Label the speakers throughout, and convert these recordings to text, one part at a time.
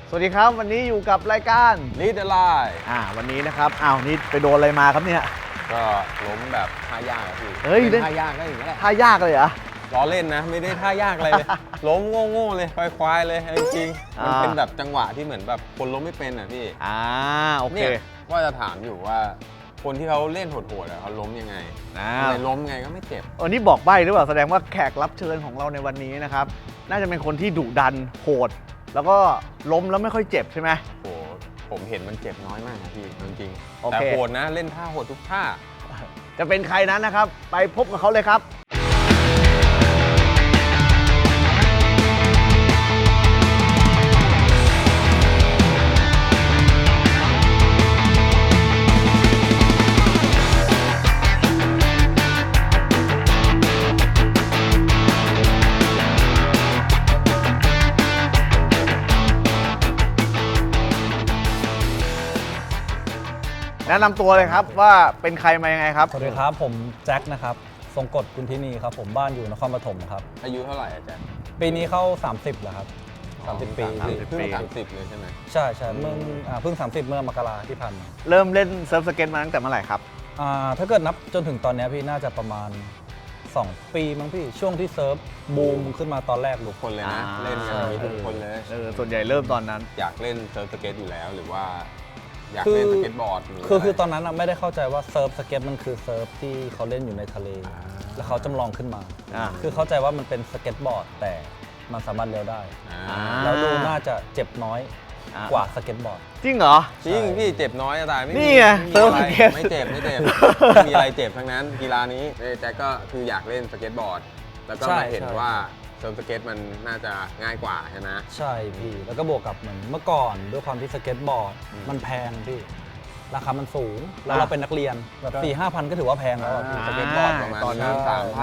Speaker 1: สวัสดีครับวันนี้อยู่กับรายการ
Speaker 2: Lead the Line
Speaker 1: วันนี้นะครับนี่ไปโดนอะไรมาครับเนี่ย
Speaker 2: ก็ล้มแบบท่ายากอะพี่
Speaker 1: เฮ้ย
Speaker 2: เป็นท่ายากก็อย่างนี้แหละ
Speaker 1: ท่ายากเลยเหรอ
Speaker 2: ล้อเล่นนะไม่ได้ท่ายากอะไรเลย ล้มโง่ๆเลยควายๆเลยจริงๆมันเป็นแบบจังหวะที่เหมือนแบบคนล้มไม่เป็นอ่ะพี่
Speaker 1: โอเค
Speaker 2: เนี่ยว่าจะถามอยู่ว่าคนที่เขาเล่นโหดๆเขาล้มยังไงทำไมล้มไงก็ไม่เจ็บ
Speaker 1: วันนี้บอกใบ้หรือเปล่าแสดงว่าแขกรับเชิญของเราในวันนี้นะครับน่าจะเป็นคนที่ดุดันโหดแล้วก็ล้มแล้วไม่ค่อยเจ็บใช่ไหม
Speaker 2: โอ้ผมเห็นมันเจ็บน้อยมากนะพี่จริงๆ
Speaker 1: โอเค
Speaker 2: แต่โหดนะเล่นท่าโหดทุกท่า
Speaker 1: จะเป็นใครนั้นนะครับไปพบกับเขาเลยครับแนะนำตัวเลยครับว่าเป็นใครมายังไงครับ
Speaker 3: สวัสดีครับผมแจ็คนะครับทรงกฎกุลทินีครับผมบ้านอยู่นครปฐมครับ
Speaker 2: อายุเท่าไหร่อาจารย์
Speaker 3: ปีนี้เข้า30แล้วครับ30 ปี
Speaker 2: เพิ่ง30เลยใช่ไหม
Speaker 3: ใช่เพิ่ง30เมื่อมกราที่ผ่านมา
Speaker 1: เริ่มเล่นเซิร์ฟสเก็ตมาตั้งแต่เมื่อไหร่ครับ
Speaker 3: ถ้าเกิดนับจนถึงตอนนี้พี่น่าจะประมาณ2 ปีมั้งพี่ช่วงที่เซิร์ฟบูมขึ้นมาตอนแรก
Speaker 2: ทุกคนเลยนะเล่นกันทุกคนเลย
Speaker 1: ส่วนใหญ่เริ่มตอนนั้น
Speaker 2: อยากเล่นเซิร์ฟสเก็ตอยู่แล้วหรือว่าอยากเล่นสเก็ตบอร์ด
Speaker 3: คือตอนนั้นไม่ได้เข้าใจว่าเซิร์ฟสเก็ตมันคือเซิร์ฟที่เขาเล่นอยู่ในทะเลแล้วเขาจำลองขึ้นมาคือเข้าใจว่ามันเป็นสเก็ตบอร์ดแต่มันสามารถเลี้ยวได้แล้วดูน่าจะเจ็บน้อยกว่าสเก็ตบอร์ด
Speaker 1: จริงเหรอ
Speaker 2: จริงพี่เจ็บน้อยตายไม่
Speaker 1: นี่ไงเซิร์ฟสเก็ต
Speaker 2: ไม่เจ็บไม่มีอะไรเจ็บทั้งนั้นกีฬานี้แจ็คก็คืออยากเล่นสเก็ตบอร์ดแล้วก็มาเห็นว่าเซิร์ฟสเก็ตมันน่าจะง่ายกว่าใช่ไหม
Speaker 3: ใช่พี่แล้วก็บวกกับเหมือนเมื่อก่อนด้วยความที่สเก็ตบอร์ดมันแพงพี่ราคามันสูงแล้วเราเป็นนักเรียนแบบ4-5 พันก็ถือว่าแพงแล้ว
Speaker 2: สเก็ตบอร์ดประมาณ
Speaker 3: ตอนนั้น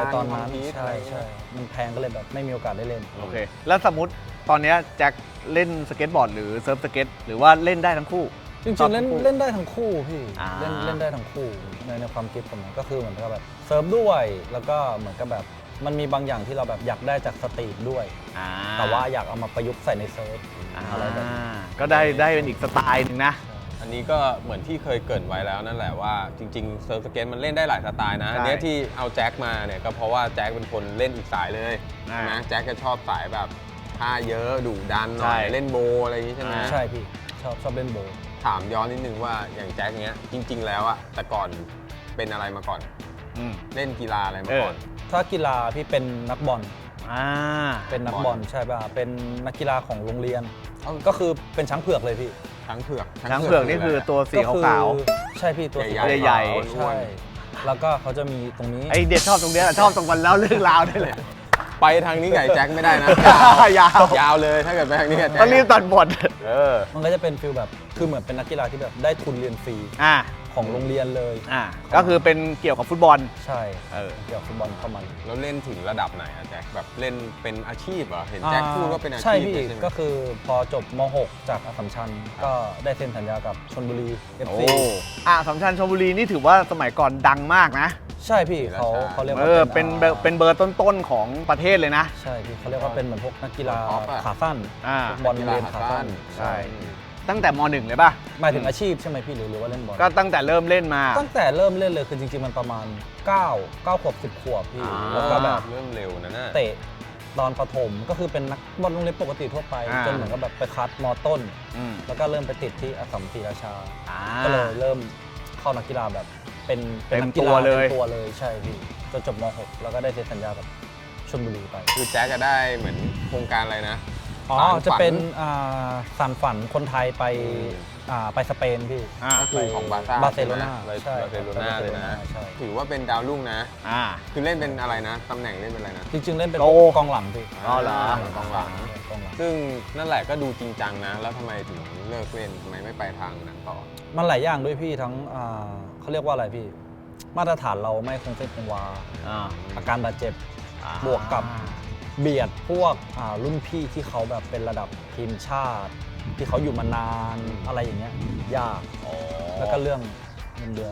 Speaker 2: 3,000
Speaker 3: ใช่มันแพงก็เลยแบบไม่มีโอกาสได้เล่น
Speaker 1: โอเคแล้วสมมติตอนนี้แจ็คเล่นสเก็ตบอร์ดหรือเซิร์ฟสเก็ตหรือว่าเล่นได้ทั้งคู่
Speaker 3: จริงๆเล่นได้ทั้งคู่พี่เล่นได้ทั้งคู่ในความคิดผมก็คือเหมือนกับแบบเซิร์ฟด้วยแล้วก็เหมือนกับแบบมันมีบางอย่างที่เราแบบอยากได้จากสตรีทด้วยแต่ว่าอยากเอามาประยุกต์ใส่ในเซิร์ฟอะไรแบบนี้
Speaker 1: ก็ได้เป็นอีกสไตล์นึงนะ
Speaker 2: อันนี้ก็เหมือนที่เคยเกริ่นไว้แล้วนั่นแหละว่าจริงๆเซิร์ฟสเก็ตมันเล่นได้หลายสไตล์นะอันนี้ที่เอาแจ็คมาเนี่ยก็เพราะว่าแจ็คเป็นคนเล่นอีกสายเลยนะแจ็คก็ชอบสายแบบท่าเยอะดุดันหน่อยเล่นโบอะไรอย่างนี้ใช่ไหม
Speaker 3: ใช่พี่ชอบเล่นโบ
Speaker 2: ถามย้อนนิดนึงว่าอย่างแจ็คเนี้ยจริงๆแล้วอะแต่ก่อนเป็นอะไรมาก่อนเล่นกีฬาอะไรมาก่อน
Speaker 3: ถ้ากีฬาพี่เป็นนักบอลเป็นนักบอลใช่ป่ะเป็นนักกีฬาของโรงเรียนก็คือเป็นช้างเผือกเลยพี่
Speaker 2: ช้างเผือก
Speaker 1: นี่คือตัวสีขาว
Speaker 3: ใช่พี่ตัวสี
Speaker 1: ใหญ่
Speaker 3: ใช่แล้วก็เขาจะมีตรงนี้
Speaker 1: ไอเด็ดชอบตรงนี้ชอบตรงวันแล้วเรื่องราวนี่แหละ
Speaker 2: ไปทางนี้ไก่แจ็คไม่ได้นะยาวเลยถ้าเกิดไปทางนี้
Speaker 1: ต้องรีบตัดบท
Speaker 3: มันก็จะเป็นฟิลแบบคือเหมือนเป็นนักกีฬาที่แบบได้ทุนเรียนฟรีของโรงเรียนเลย
Speaker 1: ก็คือเป็นเกี่ยวกับฟุตบอล
Speaker 3: ใช่เกี่ยวกับฟุตบอลเข้ามา
Speaker 2: แล้วเล่นถึงระดับไหนอะแจ็คแบบเล่นเป็นอาชีพเหรอเห็นแจ็คพูดก็เป็นอาชีพ
Speaker 3: ใช่พี่ก็คือพอจบม.6 จากอัสสัมชัญก็ได้เซ็นสัญญากับชลบุรี FC
Speaker 1: อัสสัมชัญชลบุรีนี่ถือว่าสมัยก่อนดังมากนะ
Speaker 3: ใช่พี่เขาเรียกว่า
Speaker 1: เป็นเบอร์ต้นๆของประเทศเลยนะ
Speaker 3: ใช่พี่เขาเรียกว่าเป็นเหมือนพวกนักกีฬาขาสั้นบอลเรียนขาสั้น
Speaker 1: ใช่ตั้งแต่ม.1 เลยป่ะ
Speaker 3: หมายถึงอาชีพใช่ไหมพี่หรือว่าเล่นบอล
Speaker 1: ก็ตั้งแต่เริ่มเล่นมา
Speaker 3: ตั้งแต่เริ่มเล่นเลยคือจริงๆมันประมาณ9 ขวบ10 ขวบพี่แล้วก็แบบ
Speaker 2: เริ่มเร็วนะ
Speaker 3: เตะตอนประถมก็คือเป็นนักบอลโรงเรียนปกติทั่วไปจนเหมือนกับแบบไปคัดม.ต้นแล้วก็เริ่มไปติดที่อัสสัมศรีราชาก็เลยเริ่มเข้านักกีฬาแบบเป็นนักกีฬาเป็นตัวเลยใช่พี่จนจบม.6 แล้วก็ได้เซ็นสัญญากับชลบุรีไป
Speaker 2: คือแจ็คก็ได้เหมือนโครงการอะไรนะ
Speaker 3: จะเป็นสานฝันคนไทยไปสเปนพี่
Speaker 2: ก็คือของบาร์เซโลนาเลยนะถือว่าเป็นดาวรุ่งนะคือเล่นเป็นอะไรนะตำแหน่งเล่นเป็นอะไรนะ
Speaker 3: จริงๆเล่นเป็นกองหลังพี่
Speaker 1: เหร
Speaker 2: อกองหลังซึ่งนั่นแหละก็ดูจริงจังนะแล้วทำไมถึงเลิกเล่นทำไมไม่ไปทางนั้นต่อ
Speaker 3: มันหลายอย่างด้วยพี่ทั้งเขาเรียกว่าอะไรพี่มาตรฐานเราไม่คงเส้นคงวาอาการบาดเจ็บบวกกับเบียดพวกรุ่นพี่ที่เขาแบบเป็นระดับทีมชาติที่เขาอยู่มานานอะไรอย่างเงี้ยยากแล้วก็เรื่องเงินเดือน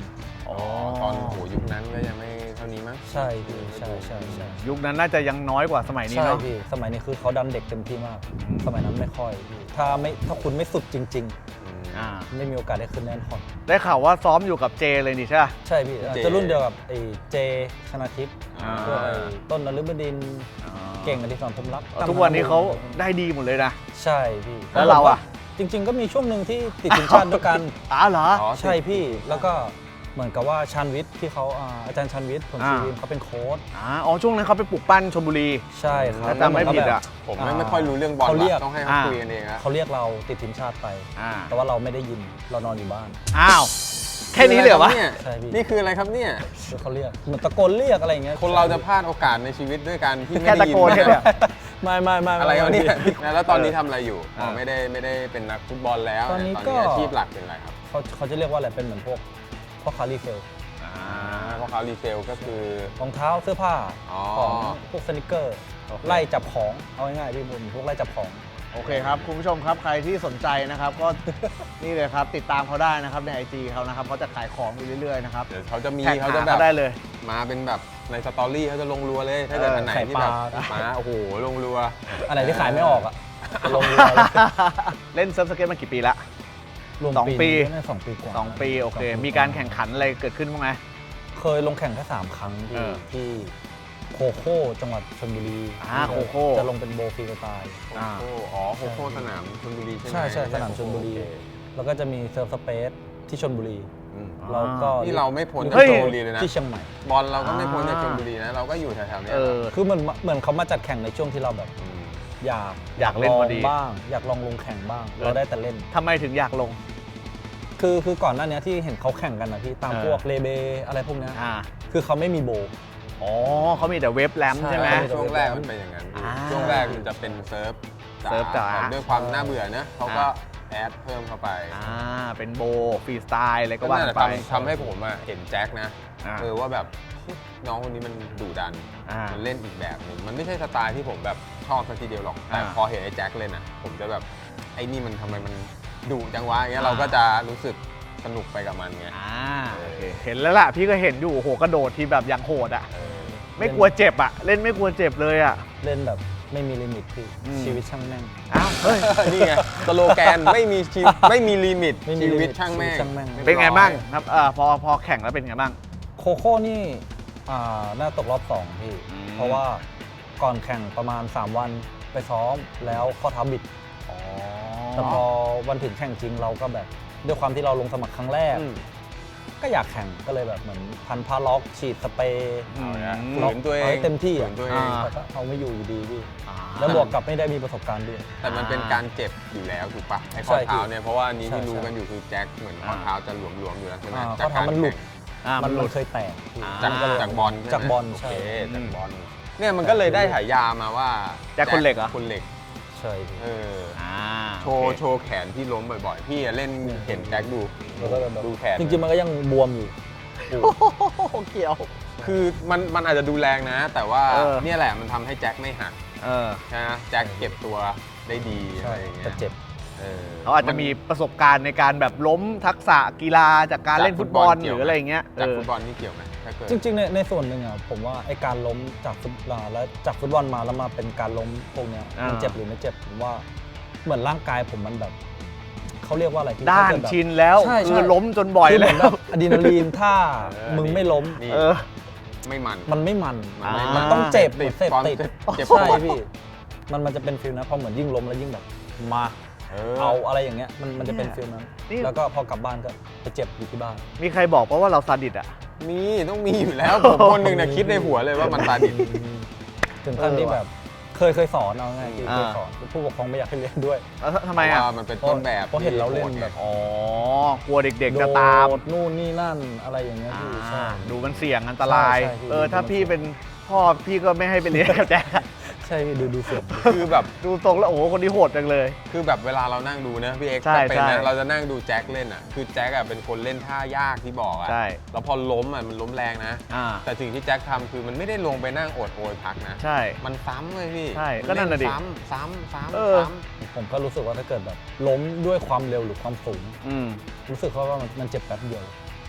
Speaker 1: อ๋อ
Speaker 2: ตอนโหยุคนั้นก็ยังไม่เท่านี้มั้ง
Speaker 3: ใช่พี่ใช่ใช่ใช่
Speaker 1: ยุคนั้นน่าจะยังน้อยกว่าสมัยนี้
Speaker 3: ใช่
Speaker 1: เนาะ
Speaker 3: พี่สมัยนี้คือเขาดันเด็กเต็มที่มาก สมัยนั้นไม่ค่อยพี่ถ้าคุณไม่สุดจริง
Speaker 1: อ่า
Speaker 3: ๆ ไม่มีโอกาสได้ขึ้นแน่นอน
Speaker 1: ได้ข่าวว่าซ้อมอยู่กับเจเลยนี่ใช่ปะ
Speaker 3: ใช่พี่จะรุ่นเดียวกับไอ้เจชนาทิพย์
Speaker 1: อ่า
Speaker 3: พวกไอ้ต้นนฤบดินทร์เก่งอดิศรพรหมรัก
Speaker 1: ทุกวันนี้เขาได้ดีหมดเลยนะ
Speaker 3: ใช่พี่
Speaker 1: แล้วเราอะ
Speaker 3: จริง ๆ ก็มีช่วงหนึ่งที่ติดทีมชาติด้วยกัน
Speaker 1: อ๋อเหรอ
Speaker 2: อ๋อ
Speaker 3: ใช่พี่แล้วก็เหมือนกับว่าชันวิทย์ที่เขาอาจารย์ชันวิทย์ผลชีวินเขาเป็นโค้ช
Speaker 1: อ๋อช่วงนั้นเขาไปปลูกปั้นชลบุรี
Speaker 3: ใช่ครับ
Speaker 1: ถ้าจำไม่ผิดอะ
Speaker 2: ผมไม่ค่อยรู้เรื่องบอล
Speaker 3: เขาเรียก
Speaker 2: ว่ะต้องให้เขาคุยกันเองอะ
Speaker 3: เขาเรียกเราติดทีมชาติไป
Speaker 1: อ่า
Speaker 3: แต่ว่าเราไม่ได้ยินเรานอนอยู่บ้าน
Speaker 1: อ้าว แค่นี้เลยเหรอวะ
Speaker 3: ใช่พี่
Speaker 2: นี่คืออะไรครับเนี่ย
Speaker 3: คือเขาเรียกเหมือนตะโกนเรียกอะไรอย่างเงี้ย
Speaker 2: คนเราจะพลาดโอกาสในชีวิตด้วยการที่ไม่
Speaker 1: แค่
Speaker 2: ได้
Speaker 1: ตะ
Speaker 2: ยิน
Speaker 1: โกนแค่เนี้ย
Speaker 3: ไม่
Speaker 2: อะไรวะเนี่ย
Speaker 3: พี่
Speaker 2: แล้วตอนนี้ทำอะไรอยู่อ๋อ
Speaker 1: เออ
Speaker 2: ไม่ได้เป็นนักฟุตบอลแล้ว
Speaker 3: ตอนนี้
Speaker 2: ตอน
Speaker 3: ก็
Speaker 2: นี้อาชีพหลักเป็นอะไรครับ
Speaker 3: เขาจะเรียกว่าอะไรเป็นเหมือนพวกพ่อค้ารีเซล
Speaker 2: เพราะเขารีเซลก็คือ
Speaker 3: รองเท้าเสื้อผ้า
Speaker 2: อ๋อ
Speaker 3: ของพวกสนิเกอร์
Speaker 1: โอเค
Speaker 3: ไล่จับของเอาง่ายๆพี่บุญพวกไล่จับของ
Speaker 1: โอเคครับ คุณผู้ชมครับใครที่สนใจนะครับ ก็ นี่เลยครับ ติดตามเขาได้นะครับใน IG เขานะครับเขาจะขายของอยู่เรื่อยๆนะครับ
Speaker 2: เดี๋ยวเขาจะมี
Speaker 1: แท็ก
Speaker 2: เขา
Speaker 1: หา
Speaker 2: จะแบ
Speaker 1: เขา
Speaker 2: บ
Speaker 1: ได้เลย
Speaker 2: มาเป็นแบบในสตอรี่เขาจะลงรัวเลย ถ้าเกิดอันไหนที่แบบ
Speaker 3: ไข่ปลา
Speaker 2: มาโอ้โหลงรัว
Speaker 3: อันไหนที่ขายไม่ออกอะลงเรือเลย
Speaker 1: เล่นเซิร์ฟสเก็ตมากี่ปีละ
Speaker 3: รวม
Speaker 1: สองปี
Speaker 3: น่าจะ2 ปีกว่า
Speaker 1: 2 ปีโอเค
Speaker 3: 2
Speaker 1: มีการแข่งขันอะไรเกิดขึ้นบ้างไหม
Speaker 3: เคยลงแข่งแค่3 ครั้ง
Speaker 1: เออ
Speaker 3: ที่โคโค่จังหวัดชลบุรี
Speaker 1: โคโค่
Speaker 3: จะลงเป็นโบว์ฟรีสไตล์
Speaker 2: โอ้โหอ๋อโคโค่สนามชลบุรีใช่ไหม
Speaker 3: ใช่สนามชลบุรี
Speaker 2: โอเค
Speaker 3: แล้วก็จะมีเซิร์ฟสเปซที่ชลบุรี
Speaker 2: อืม
Speaker 3: เราก็
Speaker 2: นี่เราไม่พ้น
Speaker 1: เฮ้
Speaker 2: จาก
Speaker 1: ย
Speaker 2: ชลบุรีเลยนะ
Speaker 3: ที่เชียงใหม่
Speaker 2: บอลเราก็ไม่พ้นจากชลบุรีนะ เราก็อยู่แถวๆเนี้ย
Speaker 1: เออ
Speaker 3: คือเหมือนเขามาจัดแข่งในช่วงที่เราแบบ
Speaker 2: ม
Speaker 3: อยาก
Speaker 1: เล่น
Speaker 3: ล
Speaker 1: พ
Speaker 3: อ
Speaker 1: อง ดี
Speaker 3: บ้าง อยากลองลงแข่งบ้าง เราได้แต่เล่น
Speaker 1: ทำไมถึงอยากลง
Speaker 3: คือก่อนหน้านี้ที่เห็นเขาแข่งกันนะพี่ตาม
Speaker 1: เออ
Speaker 3: พวกเลเบอะไรพวกเนี้ย
Speaker 1: อ่า
Speaker 3: คือเขาไม่มีโบว์
Speaker 1: อ๋อเขามีแต่เว็บแรม
Speaker 3: ใช่
Speaker 1: ใช่ไหม
Speaker 2: ช่วงแรกมันเป็นอย่างนั้น
Speaker 1: อ่า
Speaker 2: ช่วงแรกมันจะเป็นเซิร์ฟ
Speaker 1: เซิร์ฟจ๋า
Speaker 2: แต่ด้วยความน่าเบื่อนะเขาก็แอดเพิ่มเข้าไป
Speaker 1: เป็นโบฟรีสไตล์อะไรก็ว่า
Speaker 2: นั่นแห
Speaker 1: กั
Speaker 2: ละ
Speaker 1: นไป
Speaker 2: ทำให้ผมอะเห็นแจ็คนะ
Speaker 1: อ่า
Speaker 2: ว่าแบบน้องคนนี้มันดุดัน
Speaker 1: อ่ามั
Speaker 2: มันเล่นอีกแบบหนึงมันไม่ใช่สไตล์ที่ผมแบบชอบสักทีเดียวหรอก แต่
Speaker 1: อ่า
Speaker 2: พอเห็นไอ้แจ็คเล่นอะผมจะแบบไอ้นี่มันทำไมมันดุจังวะอย่างเงี้ย
Speaker 1: อ่า
Speaker 2: เราก็จะรู้สึกสนุกไปกับมันไง
Speaker 1: โอเคเห็นแล้วล่ะ พี่ก็เห็นอยู่โอ้โหกระโดดที่แบบอย่างโหดอ่ะ
Speaker 2: เออ
Speaker 1: ไม่กลัวเจ็บอ่ะ เล่นไม่กลัวเจ็บเลยอ่ะ
Speaker 3: เล่นแบบไม่มีลิมิตพี่
Speaker 1: อืม
Speaker 3: ชีวิตช่างแม่ง
Speaker 1: อ้าวเฮ้ย
Speaker 2: นี่ไงสโลแกนไม่มีไม่มีลิมิต
Speaker 3: ไม่มี
Speaker 2: ชีวิต
Speaker 3: ลิมิต
Speaker 2: ช่างแม่ง
Speaker 3: ชีวิตช่างแม่ง
Speaker 1: เป็นไงบ้างครับพอแข่งแล้วเป็นไงบ้าง
Speaker 3: โคโค่นี่น่าตกรอบ 2 พี่
Speaker 1: อืม
Speaker 3: เพราะว่าก่อนแข่งประมาณ 3 วันไปซ้อมแล้วข้อเท้าบิด
Speaker 1: อ๋อ
Speaker 3: แต่พอวันถึงแข่งจริงเราก็แบบด้วยความที่เราลงสมัครครั้งแรก
Speaker 2: อืม
Speaker 3: ก็อยากแข่งก็เลยแบบเหมือนพันผ้าล็อกฉีดสเปรย์
Speaker 1: อืม
Speaker 2: ฝืนตัวเอง
Speaker 3: าให้เต็มที่อ่ะ
Speaker 2: ฝืนตัวเอง
Speaker 3: แต่ก็เอาไม่อยู่อยู่ดีพี่
Speaker 1: อ่า
Speaker 3: แล้วบวกกับไม่ได้มีประสบการณ์ด้วย
Speaker 2: แต่มันเป็นการเจ็บอยู่แล้วถูกปะไอ้ข้อ
Speaker 3: ใช่
Speaker 2: เท้าเนี่ยเพราะว่านี้ที่
Speaker 3: ใช่
Speaker 2: รู้กันอยู่คือแจ็คเหมือนข้อเท้าจะหลวมๆอยู่แล้วใช่ไหม
Speaker 3: ข้อเท้ามันหลุด
Speaker 1: มันหลุด
Speaker 3: เคยแตกพี่
Speaker 2: จาก
Speaker 1: อ่า
Speaker 2: จากบอลใช่ไหม
Speaker 3: จากบอล
Speaker 2: โอ
Speaker 3: ใช่
Speaker 2: เคจากบอลเนี่ยมันก็เลยได้ฉายามาว่า
Speaker 1: แจ็คคนเหล็กเหรอ
Speaker 2: คนเหล็ก
Speaker 3: ใช่พี่
Speaker 2: เออ
Speaker 1: โอเค
Speaker 2: โชว์แขนที่ล้มบ่อยๆ พี่อะเล่นเห็นแจ็คดู
Speaker 3: แล้วก็แบบ
Speaker 2: ดูแขน
Speaker 3: จริงๆมันก็ยังบวมอยู่
Speaker 1: โอ้โหเกี่ยว
Speaker 2: คือมันอาจจะดูแรงนะ แต่ว่า
Speaker 1: เออ
Speaker 2: เนี่ยแหละมันทำให้แจ็คไม่หัก
Speaker 1: เออ
Speaker 2: นะแจ็คเก็บตัวได้ดีอะ
Speaker 3: ใช่
Speaker 2: ไรอย่างเงี้
Speaker 3: แต่
Speaker 2: ย
Speaker 3: เจ็บ
Speaker 1: เขาอาจจะมีประสบการณ์ในการแบบล้มทักษะกีฬาจากการเล่นฟุตบอลหรืออะไรอย่างเงี้ย
Speaker 2: จาก
Speaker 1: เออ
Speaker 2: ฟุตบอลนี่เกี่ยวไหมถ้าเกิด
Speaker 3: จริงๆในส่วนหนึ่งอ่ะผมว่าไอการล้มจากฟุตบอลแล้วจากฟุตบอลมาแล้วมาเป็นการล้มพวกเนี้ยมันเจ็บหรือไม่เจ็บผมว่าเหมือนร่างกายผมมันแบบเขาเรียกว่าอะไรพี่
Speaker 1: ด้าน
Speaker 3: ถ้เกิแบบ
Speaker 1: ชินแล้ว
Speaker 3: ใช่
Speaker 1: คือล้มจนบ่อย
Speaker 3: คือเห
Speaker 1: แล้
Speaker 3: มือนแบ
Speaker 1: ว
Speaker 3: บอะดรีนาลีนถ้ามึงไม่ล้ม
Speaker 2: นี่
Speaker 1: เออ
Speaker 2: ไม่มัน
Speaker 3: มันไม่มัน
Speaker 2: มันไม่
Speaker 3: มันต้องเจ็บ
Speaker 2: ติด
Speaker 3: เสพ
Speaker 2: ความ
Speaker 3: ติด
Speaker 2: เจ็บ
Speaker 3: ใช่พี่มันจะเป็นฟิลนะพอเหมือนยิ่งล้มแล้วยิ่งแบบมาเอาอะไรอย่างเงี้ยมันจะเป็นฟิลนั้น
Speaker 1: นี่
Speaker 3: แล้วก็พอกลับบ้านก็ไปเจ็บอยู่ที่บ้าน
Speaker 1: มีใครบอกเพราะว่าเราซาดิสอ่ะ
Speaker 2: มีต้องมีอยู่แล้ว ผมคนหนึ่งเนี่ยคิดในหัวเลยว่ามันซาดิส
Speaker 3: ถึงขั้นที่
Speaker 1: เออว่ะ
Speaker 3: แบบเคยสอนเอาง่ายๆเคยสอนผู้ปกครองไม่อยากให้เรียนด้วย
Speaker 1: แล้วทำไมอ่ะ
Speaker 2: เพราะว่ามันเป็นต้นแบบ
Speaker 3: เพราะเห็นเราเล่นแบบ
Speaker 1: อ๋อ กลัวเด็กๆจะตาม
Speaker 3: โดดนู่นนี่นั่นอะไรอย่างเงี้ยพี่ใช่
Speaker 1: ดูมันเสี่ยงอันตราย
Speaker 3: ใช่ใช่พี่
Speaker 1: ถ้าพี่เป็นพ่อพี่ก็ไม่ให้ไปเรียนกับแจ็คอะ
Speaker 3: ใช่พี่ดูเสียง
Speaker 2: คือแบบ
Speaker 1: ดูตรงแล้วโอ้โหคนนี้โหดจังเลย
Speaker 2: คือแบบเวลาเรานั่งดูนะพี่เอ็กซ์
Speaker 1: ใช่
Speaker 2: ก็เป็น
Speaker 1: ใช่
Speaker 2: นะเราจะนั่งดูแจ็คเล่นอ่ะคือแจ็คอ่ะเป็นคนเล่นท่ายากที่บอกอ่ะ
Speaker 1: ใช่
Speaker 2: แล้วพอล้มอ่ะมันล้มแรงนะ
Speaker 1: อ่า
Speaker 2: แต่สิ่งที่แจ็คทำคือมันไม่ได้ลงไปนั่งโอดโอยพักนะ
Speaker 1: ใช่
Speaker 2: มันซ้ำเลยพี่
Speaker 1: ใช่
Speaker 2: มั
Speaker 1: ก็นั่นน่ะดิ
Speaker 2: ซ้ำ
Speaker 1: เออ
Speaker 3: ผมก็รู้สึกว่าถ้าเกิดแบบล้มด้วยความเร็วหรือความสูง
Speaker 1: อืม
Speaker 3: รู้สึกว่ามันเจ็บแป๊บเดียว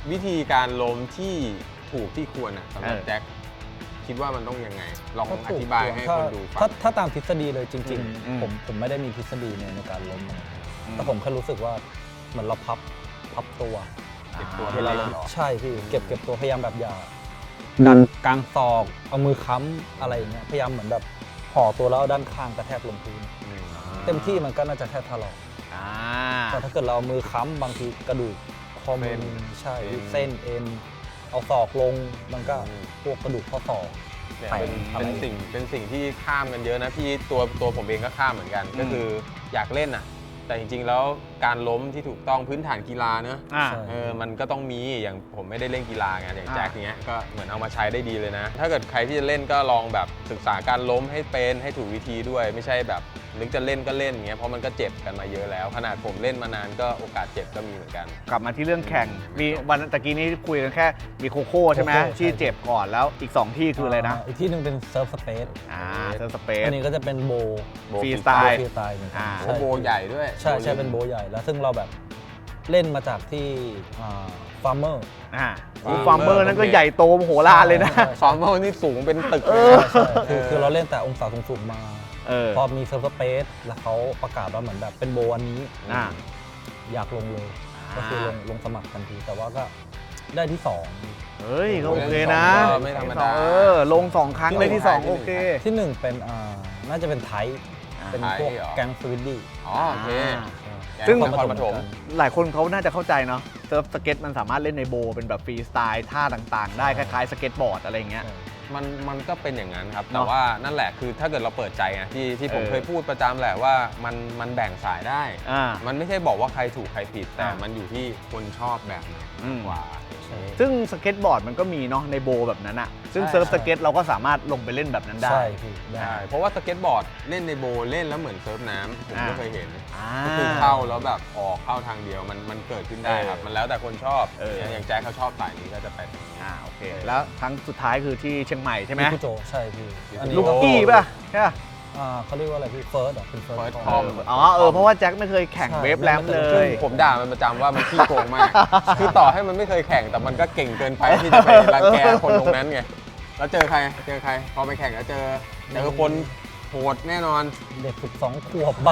Speaker 2: วิธีการล้มที่ถูกที่ควรสำหรับแจ็คคิดว่ามันต้องยังไงลองอธิบายให้คนดูฟัง
Speaker 3: ถ้าตามทฤษฎีเลยจริง
Speaker 1: อืม
Speaker 3: ๆผมไม่ได้มีทฤษฎีในการล้มนะแต่ผมแค่รู้สึกว่าเหมือนเราพับตัว
Speaker 2: เก็บตัว
Speaker 3: เว
Speaker 2: ให้
Speaker 3: ลา
Speaker 2: เล่นเหรอ
Speaker 3: ใช่พี่เก็บตัวพยายามแบบอย่าดันกลางศอกเอามือค้ำอะไรอย่างเงี้ยพยายามเหมือนแบบห่อตัวแล้วเอาด้านข้างกระแทกลงพื้นเต็มที่มันก็น่าจะแค่ถลอก
Speaker 1: อ่า
Speaker 3: แต่ถ้าเกิดเราเอามือค้ำบางทีกระดูกข้อมือใช่เส้นเอ็นเอาศอกลงมันก็พวกกระดูกข้อศอก
Speaker 2: เนี่ย
Speaker 3: แปลก
Speaker 2: เป็นสิ่งที่ข้ามกันเยอะนะพี่ตัวผมเองก็ข้ามเหมือนกัน ก็คืออยากเล่นแต่จริงๆแล้วการล้มที่ถูกต้องพื้นฐานกีฬาเนอะ
Speaker 1: อ่า
Speaker 2: มันก็ต้องมีอย่างผมไม่ได้เล่นกีฬาไงอย่าง
Speaker 1: อ่า
Speaker 2: แจ็คเนี้ยก็เหมือนเอามาใช้ได้ดีเลยนะ ถ้าเกิดใครที่จะเล่นก็ลองแบบศึกษาการล้มให้เป็นให้ถูกวิธีด้วย ไม่ใช่แบบนึกจะเล่นก็เล่นอย่างเงี้ยเพราะมันก็เจ็บกันมาเยอะแล้ว ขนาดผมเล่นมานานก็โอกาสเจ็บก็มีเหมือนกัน
Speaker 1: กลับมาที่เรื่องแข่ง มีวันตะกี้นี้คุยกันแค่มีโคโค่ใช่ไหม
Speaker 3: โคโค่
Speaker 1: ที่เจ็บก่อนแล้วอีก 2 ที่คืออะไรนะ
Speaker 3: อีกที่หนึ่งเป็นเซิร์ฟสเปซ
Speaker 1: เซอร์สเปซ
Speaker 3: อันนี้ก็จะเป็นโบ
Speaker 1: ฟรีสไตล์
Speaker 3: ฟรีสไตล์เหมือนกั
Speaker 1: อ่า
Speaker 3: น
Speaker 2: โอ้โบใหญ่ด้วย
Speaker 3: ใช่ใช่เป็นโบใหญ่แล้วซึ่งเราแบบเล่นมาจากที่ฟาร์มเมอร์
Speaker 1: ฟาร์มเมอร์นั่นก็ใหญ่โตมโหฬารเลยนะ
Speaker 2: ฟอร์มอลนี่สูงเป็นตึก
Speaker 1: เอ
Speaker 2: เลย
Speaker 1: อ
Speaker 2: นะ
Speaker 3: ใช่คือเราเล่นแต่องศาสูงๆมา พอมีเซิร์ฟสเปซแล้วเขาประกาศว่าเหมือนแบบเป็นโบอันนี้
Speaker 1: อ่า
Speaker 3: อยากลงเลย ก็คือลงสมัครทันที แต่ว่าก็ได้ที่ 2
Speaker 1: เฮ้ยก็โอเคนะ
Speaker 2: ไม่ธรรมดา
Speaker 1: ลง 2 ครั้งเลยที่ 2 โอเค
Speaker 3: ที่ 1 เป็นน่าจะเป็นไทยเป็นพวก
Speaker 2: ไทยเหรอ
Speaker 3: แก๊งสวิตดี้
Speaker 2: อ๋อโอเค
Speaker 1: ซึ่ง
Speaker 2: นครปฐม
Speaker 1: หลายคนเขาน่าจะเข้าใจเนาะเซิร์ฟสเก็ตมันสามารถเล่นในโบเป็นแบบฟรีสไตล์ท่าต่างๆ ได้คล้ายๆสเก็ตบอร์ดอะไรอย่างเงี้ย
Speaker 2: มันก็เป็นอย่างนั้นครับ
Speaker 1: เน
Speaker 2: แต่
Speaker 1: อะ
Speaker 2: ว่านั่นแหละคือถ้าเกิดเราเปิดใจไงที่ผม
Speaker 1: เออ
Speaker 2: เคยพูดประจำแหละว่ามันแบ่งสายได้ มันไม่ใช่บอกว่าใครถูกใครผิด แต่
Speaker 1: อ่ามั
Speaker 2: มันอยู่ที่คนชอบแบบไหนมากกว่า
Speaker 1: ซึ่งสเก็ตบอร์ดมันก็มีเนาะในโบแบบนั้นอะซึ่ง
Speaker 2: ใช่
Speaker 1: เซิร์ฟสเก็ตเราก็สามารถลงไปเล่นแบบนั้นได้
Speaker 3: ใช่พี่ได้
Speaker 2: ใช่เพราะว่าสเก็ตบอร์ดเล่นในโบว์เล่นแล้วเหมือนเซิร์ฟน้ำผมก็เคยเห็น
Speaker 1: อ่า
Speaker 2: ก็คือเข้าแล้วแบบออกเข้าทางเดียวมันเกิดขึ้นได้ครับ มันแล้วแต่คนชอบ อย่างแจ็คเขาชอบสายนี้ก็จะไปทางนี้
Speaker 1: โอเค แล้วครั้งสุดท้ายคือที่เชียงใหม่ใช่ไหม
Speaker 3: พี่โจใช่พี่อันนี้
Speaker 1: ลูกกี้ป่ะใช่ป่ะ
Speaker 3: เขาเรียกว่าอะไรพี่เฟิร์สเป็นเฟิร์
Speaker 2: First
Speaker 3: ส
Speaker 2: Com
Speaker 1: เพราะว่าแจ็คไม่เคยแข่ง
Speaker 3: ใช่
Speaker 1: เวฟแรมเล
Speaker 3: ไม่
Speaker 1: ย
Speaker 3: เคย
Speaker 2: ผมด่ามันประจำว่ามันขี้โกงมาก คือต่อให้มันไม่เคยแข่งแต่มันก็เก่งเกินไปที่จะไปรังแกคนตรงนั้นไง แล้วเจอใคร พอไปแข่งแล้วเจอคนโหดแน่นอน
Speaker 3: เด็ก12 ขวบบ้าง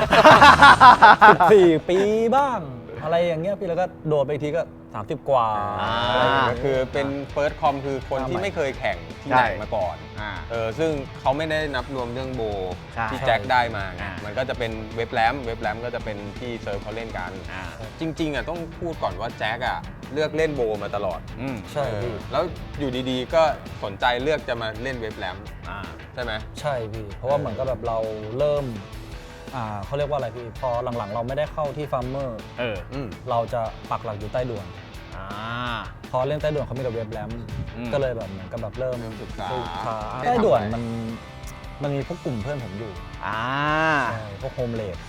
Speaker 3: 14 ปีบ้าง อะไรอย่างเงี้ยพี่แล้วก็โดดไปอีกทีก็ 30 กว่า
Speaker 2: อะไรอย่างเงี้ยก็คือเป็นเฟิร์สคอมคือคนที่ไม่เคยแข่งที่ไหนมาก่อน ซึ่งเขาไม่ได้นับรวมเรื่องโบ
Speaker 1: ใช่
Speaker 2: ที่แจ็คได้มาไง
Speaker 1: อ่ามั
Speaker 2: มันก็จะเป็นเว็บแรมก็จะเป็นที่เซิร์ฟเขาเล่นกัน จริงๆต้องพูดก่อนว่าแจ็คเลือกเล่นโบมาตลอด
Speaker 3: ใช่พี่
Speaker 2: แล้วอยู่ดีๆก็สนใจเลือกจะมาเล่นเว็บแรมใช่ไหม
Speaker 3: ใช่พี่ เพราะว่าเหมือนกับแบบเราเริ่มเขาเรียกว่าอะไรพี่ พอหลังๆ เราไม่ได้เข้าที่ฟาร์มเมอร์ เราจะปักหลักอยู่ใต้ด่วน พอเล่นใต้ด่วนเขามีแต่เว็บแรม ก็เลยแบบเหมือนกับแบบเริ่ม
Speaker 2: ศึกษา
Speaker 3: ใต้ด่วนมันมีพวกกลุ่มเพื่อนผมอยู่
Speaker 1: อ่า
Speaker 3: ใช่พวกโฮมเลด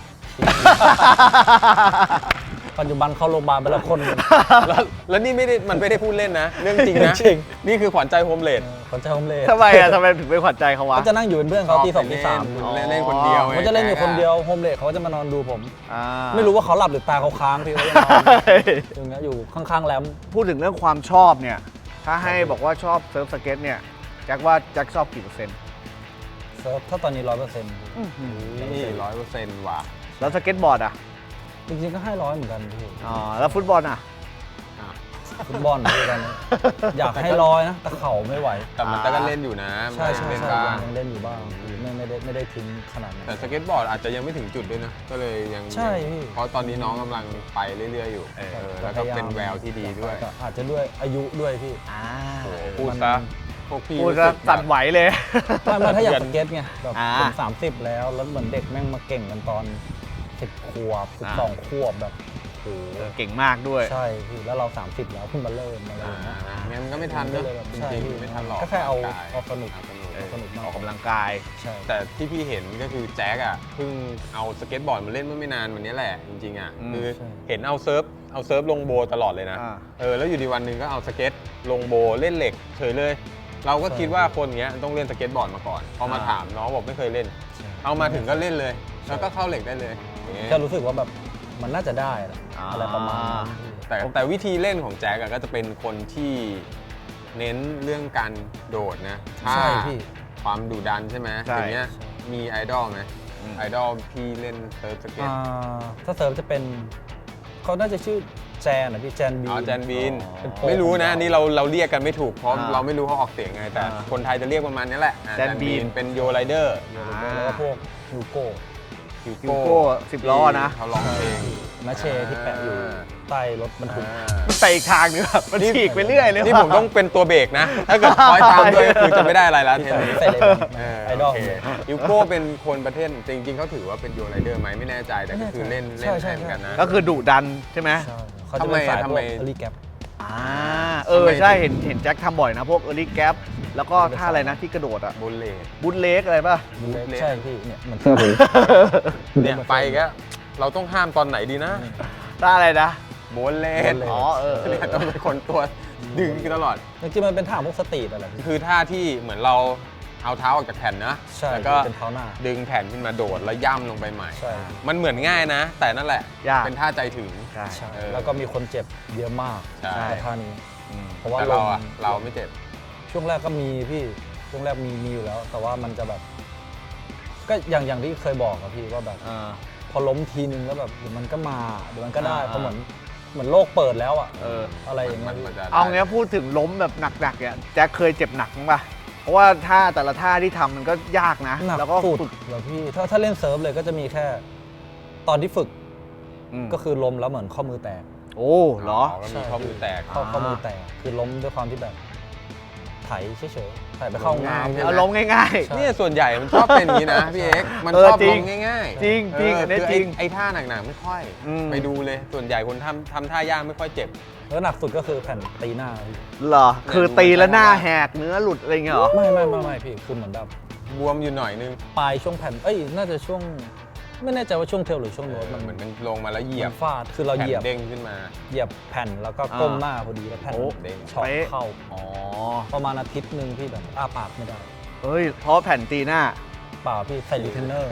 Speaker 3: ปัจจุบันเข้าโรงพยาบาลไปแล้วคนหนึ่ง
Speaker 2: แล้วนี่มันไม่ได้พูดเล่นนะ เรื่องจริงนะ
Speaker 3: จริง
Speaker 2: นี่คือขวัญใจโฮมเลด
Speaker 3: คนใจโฮมเลด
Speaker 1: ทำไมถึงเป็นขวัญใจเขาวะ
Speaker 3: เขาจะนั่งอยู่เป็นเพื่อนเขาตี 2 ตี
Speaker 2: เล่นคนเดียว
Speaker 3: 3เขาจะเล่นอยู่คนเดียวโฮมเลดเขาจะมานอนดูผม
Speaker 1: อ่า
Speaker 3: ไม่รู้ว่าเขาหลับหรือตาเขาค้างพี่เขาจะนอนอย่างเงี้ยอยู่ข้างๆแรม
Speaker 1: พูดถึงเรื่องความชอบเนี่ย ถ้าให้บอกว่าชอบเซิร์ฟสเก็ตเนี่ย แจ็คว่าแจ็คชอบกี่เปอร์เซ็นต์
Speaker 3: เซิร์ฟถ้าตอนนี้ 100%
Speaker 2: นี่100%ว่ะ
Speaker 1: แล้วสเก็ตบอร์ดอ่ะ
Speaker 3: จริงๆก็ให้100เหมือนกันพี่
Speaker 1: แล้วฟุตบอลอ่ะ
Speaker 3: ฟุตบอลพี่กันอยากให้100นะแต่เข่าไม่ไหว
Speaker 2: แต่มันก็เล่นอยู่นะ
Speaker 3: ใช่
Speaker 2: เล่น
Speaker 3: ใช่
Speaker 2: บ้าง
Speaker 3: ยังเล่นอยู่บ้างไม่ได้ทิ้งขนาดนั้น
Speaker 2: แต่สเก็ตบอร์ดอาจจะยังไม่ถึงจุดด้วยนะ ก็เลยยัง
Speaker 3: ใช่พี่
Speaker 2: เพราะตอนนี้น้องกำลังไปเรื่อยๆอยู่แล้วก็เป็นแววที่ดีด้วย
Speaker 3: แต่อาจจะด้วยอายุด้วยพี่
Speaker 2: โอ้โหพูดซะพวกพี่
Speaker 1: พูด
Speaker 2: รู้
Speaker 1: จะ
Speaker 2: สึก
Speaker 1: สั่นไหวเลย
Speaker 3: ไม่ถ้าอยากสเก็ตไงแบบ
Speaker 1: อ่า
Speaker 3: ผม30 แล้วเหมือนเด็กแม่งมาเก่งกันตอน 10 ขวบ 12 ขวบแบบโอ้โห
Speaker 1: เก่งมากด้วย
Speaker 3: ใช่พี่แล้วเรา 30 แล้วเพิ่งมาเริ่มอะไรอย่างเงี้ย
Speaker 2: งั้นก็ไม่ทัน
Speaker 3: ก็
Speaker 2: นะ
Speaker 3: เลยแบบ
Speaker 2: จ
Speaker 3: ใช่
Speaker 2: ริงๆไม่ทันหรอก
Speaker 3: ก็แค่เอา
Speaker 2: ร่งกย
Speaker 3: สนุก
Speaker 2: เอาสนุก
Speaker 3: มาก
Speaker 1: ออกกำลังกาย
Speaker 3: ใช่
Speaker 2: แต่ที่พี่เห็นก็คือแจ็คเพิ่งเอาสเก็ตบอร์ดมาเล่นเมื่อไม่นานวันนี้แหละจริงๆคือเห็นเอาเซิร์ฟลงโบตลอดเลยนะ แล้วอยู่ดีวันหนึ่งก็เอาสเก็ตลงโบเล่นเหล็กเฉยเลย เราก็คิดว่าคนเนี้ยต้องเล่นสเก็ตบอร์ดมาก่อนพอมาถามน้องบอกไม่เคยเล่น เอามาถึงก็เล่นเลย แล้วก็เข้าเหล็กได้เลย
Speaker 3: แค่รู้สึกว่าแบบมันน่าจะได้แหละอะไรประมาณนั้นพี่
Speaker 2: แต่วิธีเล่นของแจ็คอะก็จะเป็นคนที่เน้นเรื่องการโดดนะท่า
Speaker 3: ใช่พี่
Speaker 2: ความดุดันใช่ไหม
Speaker 1: ใช่
Speaker 2: อย่างเงี้ยมีไอดอลไหมไอดอลพี่เล่นเซิร์ฟสเก็ต
Speaker 3: ถ้าเซิร์ฟจะเป็นเขาน่าจะชื่อแจนนะพี่แจนบี
Speaker 2: อ๋อแจนบีน
Speaker 3: เป็นโปร
Speaker 2: ไม่รู้นะ
Speaker 3: ของเรา
Speaker 2: นี่เราเรียกกันไม่ถูกเพราะ
Speaker 1: อ่า
Speaker 2: เราไม่รู้เขาออกเสียงไง แต่
Speaker 1: อ่า
Speaker 2: คนไทยจะเรียกประมาณนี้แหละ
Speaker 1: แจนบีน
Speaker 2: เป็นโยไรเดอร์
Speaker 3: แล้วก็พวกยูโก้
Speaker 2: ฮิว
Speaker 1: ฮิวโก้10 ล้อนะ
Speaker 2: เขาร้องเพลง
Speaker 3: นาเชที่แปะอยู่ใต้รถบรรทุก
Speaker 1: มันไปอีกทางนึงแบบมันฉีกไปเรื่อยเลย
Speaker 2: นี่
Speaker 1: ว่ะ
Speaker 2: ผมต้องเป็นตัวเบรกนะ ถ้าเกิดคอยตามด้วยก็คือจะไม่ได้อะไรแล้วเทนนี้
Speaker 3: ใส่เลยไอดอล
Speaker 2: โเคฮิวโก้เป็นคนประเทศจริงๆเขาถือว่าเป็นโยไรเดอร์ไหมไม่แน่ใจแต่ก็คือเล่น
Speaker 3: ใช่
Speaker 2: แทนกันนะ
Speaker 1: ก็คือดุดันใช่ไหม
Speaker 3: ใช่เขาจะเป็นสายพวกเอลีแกป
Speaker 1: ใช่เห็นแจ็คทำบ่อยนะ พวกเออร์ลี่แกปแล้วก็ท่าอะไรนะที่กระโดดอ่ะ
Speaker 2: บุลเลต
Speaker 1: บุลเล็กอะไรป่ะ
Speaker 3: ใช่พี่เนี่ยเหมือนเสื้อผม
Speaker 2: เนี่ยไปก็เราต้องห้ามตอนไหนดีนะ
Speaker 1: ท่าอะไรนะ
Speaker 2: บุลเลต
Speaker 1: อ๋อเ
Speaker 2: เนี่ยต้องเป็นคนตัวดึงตลอด
Speaker 3: จริงๆมันเป็นท่าพวกสตรีทอะไรพี่
Speaker 2: คือท่าที่เหมือนเราเอาเท้าออกจากแผ่นนะ
Speaker 3: ใช่
Speaker 2: แล้วก็
Speaker 3: เป็นเท้าหน้า
Speaker 2: ดึงแผ่นขึ้นมาโดดแล้วย่ำลงไปใหม่
Speaker 3: ใช่
Speaker 2: มันเหมือนง่ายนะ แต่นั่นแหละ
Speaker 1: ยาก
Speaker 2: เป็นท่าใจถึง
Speaker 1: ใช่
Speaker 3: ใช่
Speaker 2: เออ
Speaker 3: แล้วก็มีคนเจ็บเยอะมาก
Speaker 2: ใช่
Speaker 3: กับท่านี้ เพราะว่า
Speaker 2: แต่เรา
Speaker 3: ลง
Speaker 2: อะเราไม่เจ็บ
Speaker 3: ช่วงแรกก็มีพี่ช่วงแรกมีอยู่แล้ว แต่ว่ามันจะแบบ ก็อย่างที่เคยบอกอะพี่ว่าแบบ พอล้มทีนึงแล้วแบบเดี๋ยวมันก็มาเดี๋ยวมันก็ได้
Speaker 1: อ่า
Speaker 3: เพราะเหมือนโลกเปิดแล้วอะ อะไรอย่างเงี้ย
Speaker 2: มันจะ
Speaker 1: เอางี้พูดถึงล้มแบบหนักๆเนี่ยแจ็คเคยเจ็บหนักมั้งป่ะเพราะว่าท่าแต่ละท่าที่ทำมันก็ยากนะ
Speaker 3: หนัก
Speaker 1: แล้วก็
Speaker 3: สุด
Speaker 1: ฝึก
Speaker 3: เหรอพี่ถ้าเล่นเซิร์ฟเลยก็จะมีแค่ ตอนที่ฝึก
Speaker 1: ก็
Speaker 3: ก็คือล้มแล้วเหมือนข้อมือแตก
Speaker 1: โอ้เหรอ
Speaker 2: ก็มีข้อมือแตก
Speaker 3: ข้อมือแตกคือล้มด้วยความที่แบบไถเฉยๆไถไปเข้าห้องน้ำ
Speaker 2: ใช่ไห
Speaker 1: เอาล้มง่าย
Speaker 3: ใช่
Speaker 2: เนี่ยส่วนใหญ่มันชอบเป็นอย่างนี้นะพี่เอ็กซ์มัน
Speaker 1: เออ
Speaker 2: ชอบ
Speaker 1: จริ
Speaker 2: ล
Speaker 1: ง
Speaker 2: งง่ายๆ
Speaker 1: จริงจริงอันนี้
Speaker 2: คือ
Speaker 1: จริง
Speaker 2: ไอ้ท่าหนักๆไม่ค่อย ไปดูเลยส่วนใหญ่คนทำท่ายากไม่ค่อยเจ็บ
Speaker 3: แล้วหนักสุดก็คือแผ่นตีหน้าพี่
Speaker 1: ๆเหรอ คือตีแล้วหน้าแหกเนื้อหลุดอะไรเงี้ยเหรอ
Speaker 3: ไม่พี่คือเหมือนแบบ
Speaker 2: บวมอยู่หน่อยนึง
Speaker 3: ปลายช่วงแผ่นน่าจะช่วงไม่แน่ใจว่าช่วงเทลหรือช่วงโน้ตมัน
Speaker 2: เหมือนมันลงมาแล้วเหยียบ
Speaker 3: ฟาดคือเราเหยียบ
Speaker 2: แผ่นเด้งขึ้นมา
Speaker 3: แผ่นแล้วก็ก้มหน้าพอดีแล้วแผ่น
Speaker 1: โอ้
Speaker 2: เด้ง
Speaker 3: ช็อต
Speaker 1: เป๊ะ
Speaker 3: เข้า
Speaker 1: อ๋อ
Speaker 3: ประมาณอาทิตย์หนึ่งพี่แบบอ้าปากไม่ได้
Speaker 1: เฮ้ย เพราะแผ่นตีหน้า
Speaker 3: เปล่าพี่ใส่รีเทนเนอร์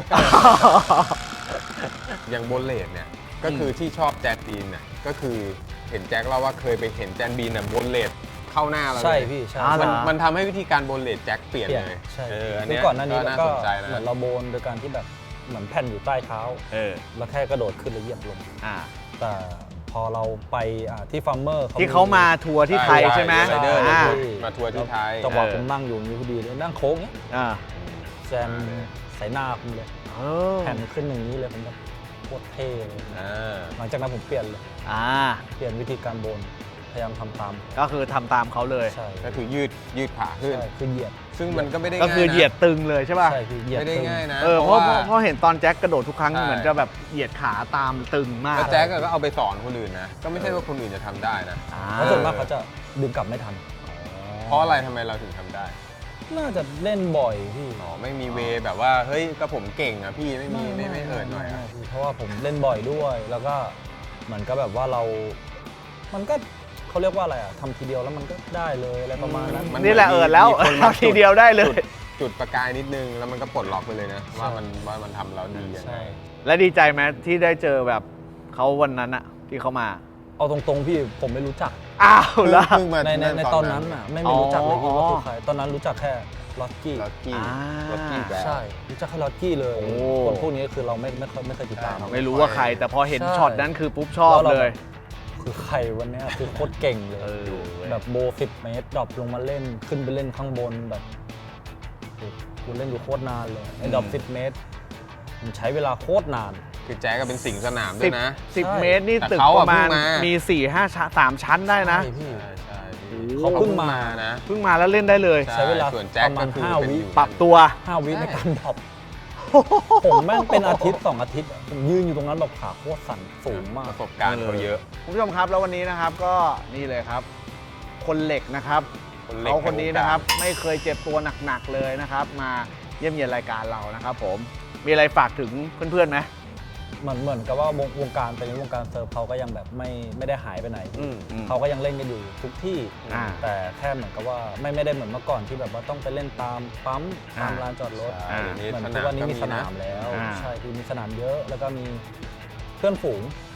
Speaker 2: อย่างโบนเลดเนี่ยก็คือที่ชอบแจ็คบีนเนี่ยก็คือเห็นแจ็คเล่าว่าเคยไปเห็นแจ็คบีนเนี่ยโบนเลดเข้าหน้าเราเลย
Speaker 3: ใช่พี่ใช่
Speaker 1: อ่า
Speaker 2: มันทำให้วิธีการโบนเลดแจ็คเปลี่ยน
Speaker 3: เปลี่ยน
Speaker 2: เลย
Speaker 3: ใช่
Speaker 2: อัน
Speaker 3: คื
Speaker 2: เนี้
Speaker 3: อย ก่อนหน้านี้
Speaker 2: ก็
Speaker 3: แล้ว
Speaker 2: น่า
Speaker 3: ก็
Speaker 2: สนใจนะ
Speaker 3: เหมือนเราโบนโดยการที่แบบเหมือนแผ่นอยู่ใต้เท้า แล้วแค่กระโดดขึ้นแล้วเหยียบลง แต่พอเราไปที่ฟาร์มเมอร์
Speaker 1: ที่เขามาทัวร์ที่ไทยใช่ไหม
Speaker 2: ไรเดอร์
Speaker 1: อ่า
Speaker 2: มาทัวร์ที่ไทย
Speaker 3: จังหวะผมนั่งอยู่นี้พอดีเลยนั่งโค้งเนี้ย
Speaker 1: อ่า
Speaker 3: แซมใส่หน้าผมเลย
Speaker 1: เออ
Speaker 3: แผ่นขึ้นอย่างนี้เลยผมแบบโคตรเท่เลย
Speaker 2: อ่า
Speaker 3: หลังจากนั้นผมเปลี่ยนเลย
Speaker 1: อ่า
Speaker 3: เปลี่ยนวิธีการโบนพยายามทำตาม
Speaker 1: ก็คือทำตามเขาเลย
Speaker 3: ใช่
Speaker 2: ก็คือยืดขาขึ้น
Speaker 3: ใช่คือเหยียด
Speaker 2: ซึ่งมันก็ไม่ได้
Speaker 1: ก็
Speaker 2: ง่ายนะ
Speaker 1: คือเหยียดตึงเลยใช่ป่ะ
Speaker 3: ใช่คือเหยียด
Speaker 2: ไม่ได้
Speaker 3: ตึง
Speaker 2: ง่ายนะ
Speaker 1: เพราะเห็นตอนแจ็คกระโดดทุกครั้ง
Speaker 2: ใช่
Speaker 1: เหมือนจะแบบเหยียดขาตามตึงมาก
Speaker 2: แล้วแจ็คก็เอาไปสอนคนอื่นนะ ก็ไม่ใช่ว่าคนอื่นจะทำได้นะ
Speaker 3: เพราะส่วนมากเขาจะดึงกลับไม่ทัน
Speaker 2: เพราะอะไรทำไมเราถึงทำได้
Speaker 3: น่าจะเล่นบ่อยพี่
Speaker 2: อ๋อไม่มีเวแบบว่าเฮ้ยก็ผมเก่งอ่ะพี่ไม่เอิดหน่อยอะ
Speaker 3: ไม่พี่เพราะว่าผมเล่นบ่อยด้วย แล้วก็เหมือนกับแบบว่าเรา มันก็เขาเรียกว่าอะไรทำทีเดียวแล้วมันก็ได้เลยอะไรประมาณนั้น
Speaker 1: นี่แหละแล้ว
Speaker 2: มีคนมา
Speaker 1: ทำทีเดียวได้เลย
Speaker 2: จุดประกายนิดนึงแล้วมันก็ปลดล็อกไปเลยนะว่ามันทำแล้วดียังไง
Speaker 3: ใช่
Speaker 1: และดีใจไหมที่ได้เจอแบบเขาวันนั้นอะที่เขามา
Speaker 3: เอาตรงๆพี่ผมไม่รู้จัก
Speaker 1: อ้าวแล้ว
Speaker 2: เพิ่งมา
Speaker 3: ในตอนนั้นน่ะไม่รู้จักเลยพี่ว่าคือใครตอนนั้นรู้จักแค่ล็อกกี้
Speaker 2: ล็อกกี้
Speaker 1: อ่า
Speaker 2: ล็อกกี้แบ
Speaker 3: ใช่รู้จักแค่ล็อกกี้เลย
Speaker 1: โอ้
Speaker 3: คนพวกนี้คือเราไม่เคยติดตาม
Speaker 1: ไม่รู้ว่าใคร แต่พอเห็น
Speaker 3: ใช่
Speaker 1: ช็อตนั้นคือปุ๊บชอบเลย
Speaker 3: คือใครวันเนี้ยคือโคตรเก่งเลย
Speaker 1: เออเว้ย
Speaker 3: แบบโบ10 เมตรดรอปลงมาเล่นขึ้นไปเล่นข้างบนแบบโอ้กูเล่นอยู่โคตรนานเลยไอ้ดรอป10 เมตรผมใช้เวลาโคตรนาน
Speaker 2: คือแจ๊กก็เป็นสิงสนามด้วยนะ
Speaker 1: สิบ
Speaker 3: ใช่
Speaker 1: เมตรนี่
Speaker 2: แต่
Speaker 1: ตึก
Speaker 2: เขา
Speaker 1: ป
Speaker 2: อะ
Speaker 1: ระมาณ
Speaker 2: เพิ่งมามี
Speaker 1: มี4-5 ชั้น3 ชั้นได้นะ
Speaker 3: ใช่พี่
Speaker 2: ใช่
Speaker 3: เขาเพิ่งมา
Speaker 2: นะ
Speaker 1: เพิ่งมาแล้วเล่นได้เลย
Speaker 3: ใช้เวลา
Speaker 2: ส่วนแจ็ค
Speaker 3: ประมาณ
Speaker 2: ก็คือ
Speaker 3: 5
Speaker 2: เป็น
Speaker 3: วิ
Speaker 2: อยู่
Speaker 1: ปรับตัว
Speaker 3: 5 วิในการดรอปผมแม่งเป็นอาทิตย์ 2 อาทิตย์อะผมยืนอยู่ตรงนั้นแบบขาโคตรสั่นสูงมาก
Speaker 2: ประสบการณ์เขาเยอะ
Speaker 1: คุณผู้ชมครับแล้ววันนี้นะครับก็นี่เลยครับ คนเหล็กนะครับ
Speaker 2: คนเหล็ก
Speaker 1: เขาคนนี้นะครับไม่เคยเจ็บตัวหนักๆเลยนะครับ มาเยี่ยมเยียนรายการเรานะครับผมมีอะไรฝากถึงเพื่อนๆไหม
Speaker 3: เหมือนกับว่าวงการเป็นวงการเซิร์ฟเขาก็ยังแบบไม่ได้หายไปไหน เขาก็ยังเล่นกันอยู่ทุกที่
Speaker 1: อ่า
Speaker 3: แต่แค่เหมือนกับว่าไม่ได้เหมือนเมื่อก่อนที่แบบว่าต้องไปเล่นตามปั๊มตามลานจอดรถ
Speaker 2: ใช่เดี๋ยวนี้
Speaker 3: เหมือน
Speaker 2: ส
Speaker 3: ทุก
Speaker 2: นาม
Speaker 3: วันนี้
Speaker 2: ก็
Speaker 3: มี
Speaker 2: มี
Speaker 3: ส
Speaker 2: นะ
Speaker 3: นามแล้ว
Speaker 1: อ่า
Speaker 3: ใช่คือมีสนามเยอะแล้วก็มีเพื่อนฝูง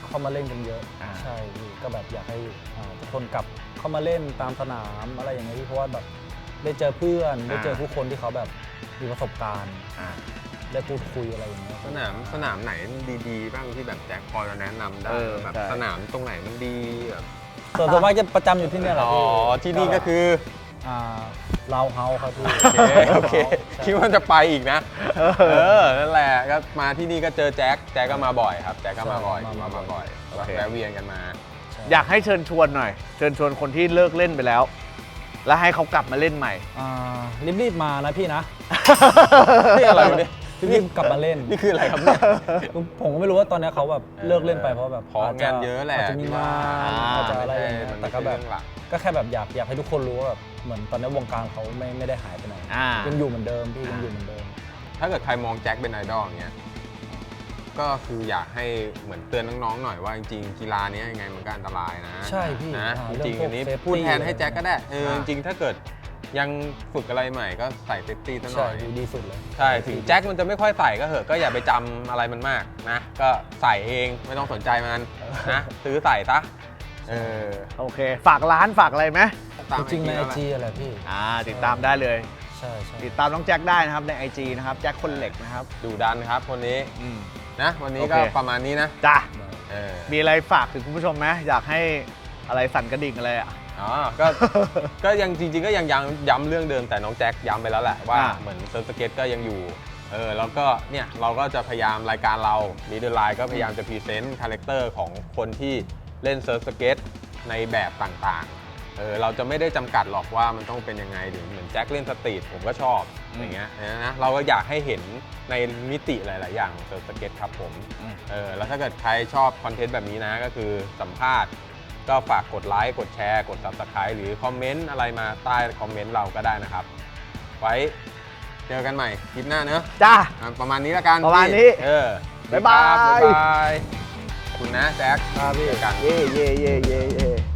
Speaker 3: เข้ามาเล่นกันเยอะใช่พี่ก็แบบอยากให้ทุกคนกลับเข้ามาเล่นตามสนามอะไรอย่างเงี้ยพี่เพราะว่าแบบได้เจอเพื่อนได้เจอผู้คนที่เขาแบบมีประสบการณ์ได้พูดคุยอะไรอย่างเงี้ย
Speaker 2: สนามไหนดีๆบ้างที่แบบแจ็คพอจะแนะนำได้แบบสนามตรงไหนมันดีแบบ
Speaker 3: ส่วนมากจะประจำอยู่ที่นี่แหละพี่
Speaker 2: ที่นี่ก็คือ
Speaker 3: เราเฮาครับพี่
Speaker 2: โอเคคิดว่าจะไปอีกนะนั่นแหละก็มาที่นี่ก็เจอแจ็คก็มาบ่อยครับแจ็คก็มาบ่อยแวะเวียนกันมา
Speaker 1: อยากให้เชิญชวนหน่อยเชิญชวนคนที่เลิกเล่นไปแล้วแล้วให้เขากลับมาเล่นใหม่
Speaker 3: รีบมานะพี่นะ
Speaker 2: นี่อะไรเนี่ย
Speaker 3: รีบกลับมาเล่น
Speaker 2: นี่คืออะไรครับเนี่ย
Speaker 3: ผมก็ไม่รู้ว่าตอนนี้เขาแบบเลิกเล่นไปเพราะแบบ
Speaker 2: งานเยอะแหละ
Speaker 3: จะมีงานอาจจะอะไรแต่ก็แบบก็แค่แบบอยากให้ทุกคนรู้ว่าแบบเหมือนตอนนี้วงการเขาไม่ได้หายไปไหนยังอยู่เหมือนเดิมพี่ยังอยู่เหมือนเดิม
Speaker 2: ถ้าเกิดใครมองแจ็คเป็นไอดอลอย่างเงี้ยก็คืออยากให้เหมือนเตือนน้องๆหน่อยว่าจริงๆกีฬานี้ยังไงมันก็อันตรายนะ
Speaker 3: ใช่พี่
Speaker 2: นะจริงๆอันนี้พูดแทนให้แจ็คก็ได้จริงๆถ้าเกิดยังฝึกอะไรใหม่ก็ใส่เซฟตี้ซะหน่อย
Speaker 3: ดีสุดเลย
Speaker 2: ใช่ถึงแจ็คมันจะไม่ค่อยใส่ก็เหอะก็อย่าไปจำอะไรมันมากนะก็ใส่เองไม่ต้องสนใจมันนะซื้อใส่ซะ
Speaker 1: โอเคฝากร้านฝากอะไรไหม
Speaker 3: จริงใน IG อะไรพี่
Speaker 1: ติดตามได้เลย
Speaker 3: ใช่
Speaker 1: ติดตามน้องแจ็คได้นะครับใน IG นะครับแจ็คคนเหล็กนะครับ
Speaker 2: ดูดันครับคนนี้นะวันนี้ก็ประมาณนี้นะ
Speaker 1: จ้ะมีอะไรฝากถึงคุณผู้ชมไหมอยากให้อะไรสั่นกระดิ่งอะไร
Speaker 2: ก็ยังจริงๆก็ยังย้ำเรื่องเดิมแต่น้องแจ็คย้ำไปแล้วแหละว่าเหมือนเซิร์ฟสเก็ตก็ยังอยู่แล้วก็เนี่ยเราก็จะพยายามรายการเรามีเดอร์ไลน์ก็พยายามจะพรีเซนต์คาแรคเตอร์ของคนที่เล่นเซิร์ฟสเก็ตในแบบต่างๆเราจะไม่ได้จำกัดหรอกว่ามันต้องเป็นยังไงหรือเหมือนแจ็คเล่นสตรีทผมก็ชอบอย่างเงี้ยนะเราก็อยากให้เห็นในมิติหลายๆอย่างของเซิร์ฟสเก็ตครับผมแล้วถ้าเกิดใครชอบคอนเทนต์แบบนี้นะก็คือสัมภาษณ์ก็ฝากกดไลค์กดแชร์กด Subscribe หรือคอมเมนต์อะไรมาใต้คอมเมนต์เราก็ได้นะครับไว้เจอกันใหม่คลิปหน้าเนอะ
Speaker 1: จ้า
Speaker 2: ประมาณนี้แล้วกัน
Speaker 1: ประมาณนี้
Speaker 2: บ๊ายบายคุณนะแจ็ค
Speaker 3: ครับพี่
Speaker 2: กัน
Speaker 1: เย่